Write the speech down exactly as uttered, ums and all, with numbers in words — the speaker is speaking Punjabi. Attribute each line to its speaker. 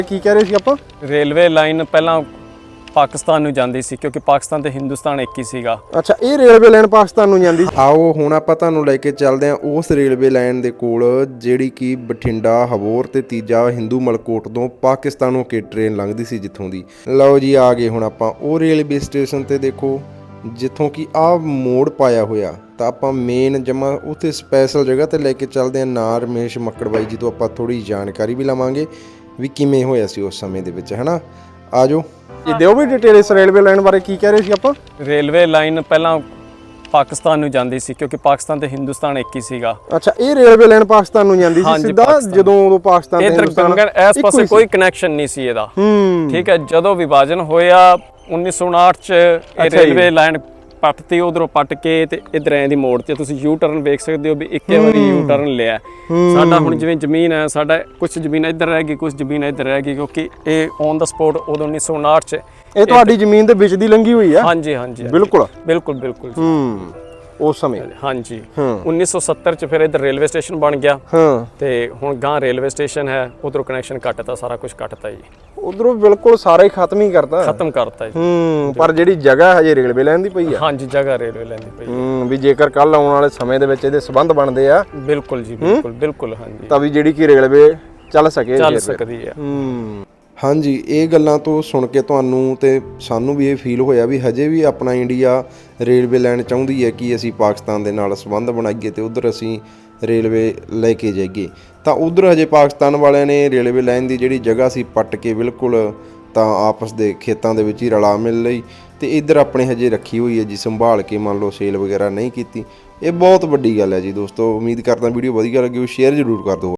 Speaker 1: ਕੀ ਕਹਿ ਰਹੇ ਸੀ ਆਪਾਂ?
Speaker 2: ਰੇਲਵੇ ਲਾਈਨ ਪਹਿਲਾਂ ਪਾਕਿਸਤਾਨ ਨੂੰ ਜਾਂਦੀ ਸੀ ਕਿਉਂਕਿ ਪਾਕਿਸਤਾਨ ਤੇ ਹਿੰਦੁਸਤਾਨ ਇੱਕ ਹੀ ਸੀਗਾ।
Speaker 1: ਅੱਛਾ, ਇਹ ਰੇਲਵੇ ਲਾਈਨ ਪਾਕਿਸਤਾਨ ਨੂੰ ਜਾਂਦੀ। ਆਓ ਹੁਣ ਆਪਾਂ ਤੁਹਾਨੂੰ ਲੈ ਕੇ ਚੱਲਦੇ ਹਾਂ ਉਸ ਰੇਲਵੇ ਲਾਈਨ ਦੇ ਕੋਲ ਜਿਹੜੀ ਕਿ ਬਠਿੰਡਾ, ਹਬੋਰ ਤੇ ਤੀਜਾ ਹਿੰਦੂ ਮਲਕੋਟ ਤੋਂ ਪਾਕਿਸਤਾਨ ਨੂੰ ਕੇ ਟ੍ਰੇਨ ਲੰਘਦੀ ਸੀ ਜਿੱਥੋਂ ਦੀ। ਲਓ ਜੀ, ਆ ਗਏ ਹੁਣ ਆਪਾਂ ਉਹ ਰੇਲਵੇ ਸਟੇਸ਼ਨ ਤੇ। ਦੇਖੋ ਜਿੱਥੋਂ ਕਿ ਆਹ ਮੋੜ ਪਾਇਆ ਹੋਇਆ, ਤਾਂ ਆਪਾਂ ਮੇਨ ਜਮਾ ਉੱਥੇ ਸਪੈਸ਼ਲ ਜਗ੍ਹਾ ਤੇ ਲੈ ਕੇ ਚੱਲਦੇ ਹਾਂ ਨਾ ਰਮੇਸ਼ ਮੱਕੜ ਬਾਈ ਜੀ ਤੋਂ ਆਪਾਂ ਥੋੜੀ ਜਾਣਕਾਰੀ ਵੀ ਲਵਾਂਗੇ ਵੀ ਕਿਵੇਂ ਹੋਇਆ ਸੀ ਉਸ ਸਮੇਂ ਦੇ ਵਿੱਚ, ਹਨਾ। ਆ ਜਾਓ ਜੀ, ਦਿਓ ਵੀ ਡਿਟੇਲ ਇਸ ਰੇਲਵੇ ਲਾਈਨ ਬਾਰੇ। ਕੀ ਕਹਿ ਰਹੇ ਸੀ ਆਪਾਂ?
Speaker 2: ਰੇਲਵੇ ਲਾਈਨ ਪਹਿਲਾਂ ਪਾਕਿਸਤਾਨ ਨੂੰ ਜਾਂਦੀ ਸੀ ਕਿਉਂਕਿ ਪਾਕਿਸਤਾਨ ਤੇ ਹਿੰਦੁਸਤਾਨ ਇੱਕ ਹੀ ਸੀਗਾ।
Speaker 1: ਅੱਛਾ, ਇਹ ਰੇਲਵੇ ਲਾਈਨ ਪਾਕਿਸਤਾਨ ਨੂੰ ਜਾਂਦੀ ਸੀ ਸਿੱਧਾ, ਜਦੋਂ ਉਦੋਂ ਪਾਕਿਸਤਾਨ ਤੇ
Speaker 2: ਹਿੰਦੁਸਤਾਨ ਇਸ ਪਾਸੇ ਕੋਈ ਕਨੈਕਸ਼ਨ ਨਹੀਂ ਸੀ ਇਹਦਾ। ਠੀਕ ਹੈ, ਜਦੋਂ ਵਿਭਾਜਨ ਹੋਇਆ ਉੱਨੀ ਸੌ ਉਣਾਹਠ ਚ ਇਹ ਰੇਲਵੇ ਲਾਈਨ ਪੱਟਤੀ, ਉਧਰੋਂ ਪੱਟ ਕੇ ਤੇ ਇਧਰ ਐਂ ਦੀ ਮੋੜ ਤੇ ਤੁਸੀਂ ਯੂ ਟਰਨ ਵੇਖ ਸਕਦੇ ਹੋ ਵੀ ਇੱਕੇ ਵਾਰੀ ਯੂ ਟਰਨ ਲਿਆ। ਸਾਡਾ ਹੁਣ ਜਿਵੇਂ ਜ਼ਮੀਨ ਹੈ, ਸਾਡਾ ਕੁਝ ਜ਼ਮੀਨ ਇੱਧਰ ਰਹਿ ਗਈ, ਕੁਝ ਜ਼ਮੀਨ ਇੱਧਰ ਰਹਿ ਗਈ ਕਿਉਂਕਿ ਇਹ ਔਨ ਦਾ ਸਪੋਟ ਉਦੋਂ ਉੱਨੀ ਸੌ ਉਣਾਹਠ ਚ
Speaker 1: ਇਹ ਤੁਹਾਡੀ ਜ਼ਮੀਨ ਦੇ ਵਿੱਚ ਦੀ ਲੰਘੀ ਹੋਈ ਆ।
Speaker 2: ਹਾਂਜੀ ਹਾਂਜੀ
Speaker 1: ਬਿਲਕੁਲ
Speaker 2: ਬਿਲਕੁਲ ਬਿਲਕੁਲ
Speaker 1: ਹੂੰ ਉਸ ਸਮੇਂ।
Speaker 2: ਹਾਂਜੀ, ਉੱਨੀ ਸੌ ਸੱਤਰ ਚ ਫਿਰ ਇੱਧਰ ਰੇਲਵੇ ਸਟੇਸ਼ਨ ਬਣ ਗਿਆ।
Speaker 1: ਹਾਂ,
Speaker 2: ਤੇ ਹੁਣ ਗਾਂ ਰੇਲਵੇ ਸਟੇਸ਼ਨ ਹੈ, ਉਧਰੋਂ ਕਨੈਕਸ਼ਨ ਕੱਟਤਾ, ਸਾਰਾ ਕੁਝ ਕੱਟਤਾ ਜੀ।
Speaker 1: ਉਧਰੋਂ ਬਿਲਕੁਲ ਸਾਰਾ ਹੀ ਖਤਮ ਹੀ ਕਰਤਾ,
Speaker 2: ਖਤਮ ਕਰਤਾ ਜੀ।
Speaker 1: ਹੂੰ, ਪਰ ਜਿਹੜੀ ਜਗ੍ਹਾ ਹਜੇ ਰੇਲਵੇ ਲਾਈਨ ਦੀ ਪਈ ਆ।
Speaker 2: ਹਾਂਜੀ, ਜਗ੍ਹਾ ਰੇਲਵੇ ਲਾਈਨ ਦੀ ਪਈ ਹੈ।
Speaker 1: ਹੂੰ, ਵੀ ਜੇਕਰ ਕੱਲ ਆਉਣ ਵਾਲੇ ਸਮੇਂ ਦੇ ਵਿੱਚ ਇਹਦੇ ਸੰਬੰਧ ਬਣਦੇ ਆ,
Speaker 2: ਬਿਲਕੁਲ ਜੀ, ਬਿਲਕੁਲ ਬਿਲਕੁਲ। ਹਾਂਜੀ,
Speaker 1: ਤਾਂ ਵੀ ਜਿਹੜੀ ਕਿ ਰੇਲਵੇ ਚੱਲ ਸਕੇ,
Speaker 2: ਚੱਲ ਸਕਦੀ ਹੈ।
Speaker 1: ਹੂੰ, ਹਾਂਜੀ। ਇਹ ਗੱਲਾਂ ਤੋਂ ਸੁਣ ਕੇ ਤੁਹਾਨੂੰ ਤੇ ਸਾਨੂੰ ਵੀ ਇਹ ਫੀਲ ਹੋਇਆ ਵੀ ਹਜੇ ਵੀ ਆਪਣਾ ਇੰਡੀਆ ਰੇਲਵੇ ਲਾਈਨ ਚਾਹੁੰਦੀ ਹੈ ਕਿ ਅਸੀਂ ਪਾਕਿਸਤਾਨ ਦੇ ਨਾਲ ਸੰਬੰਧ ਬਣਾਈਏ ਤੇ ਉਧਰ ਅਸੀਂ ਰੇਲਵੇ ਲੈ ਕੇ ਜਾਈਏ। ਤਾਂ ਉਧਰ ਹਜੇ ਪਾਕਿਸਤਾਨ ਵਾਲਿਆਂ ਨੇ ਰੇਲਵੇ ਲਾਈਨ ਦੀ ਜਿਹੜੀ ਜਗ੍ਹਾ ਸੀ ਪੱਟ ਕੇ ਬਿਲਕੁਲ ਤਾਂ ਆਪਸ ਦੇ ਖੇਤਾਂ ਦੇ ਵਿੱਚ ਹੀ ਰਲਾ ਮਿਲ ਲਈ, ਤੇ ਇੱਧਰ ਆਪਣੇ ਹਜੇ ਰੱਖੀ ਹੋਈ ਹੈ ਜੀ ਸੰਭਾਲ ਕੇ, ਮੰਨ ਲਓ ਸੇਲ ਵਗੈਰਾ ਨਹੀਂ ਕੀਤੀ। ਇਹ ਬਹੁਤ ਵੱਡੀ ਗੱਲ ਹੈ ਜੀ ਦੋਸਤੋ। ਉਮੀਦ ਕਰਦਾ ਵੀਡੀਓ ਵਧੀਆ ਲੱਗੀ, ਸ਼ੇਅਰ ਜ਼ਰੂਰ ਕਰ ਦਿਓ।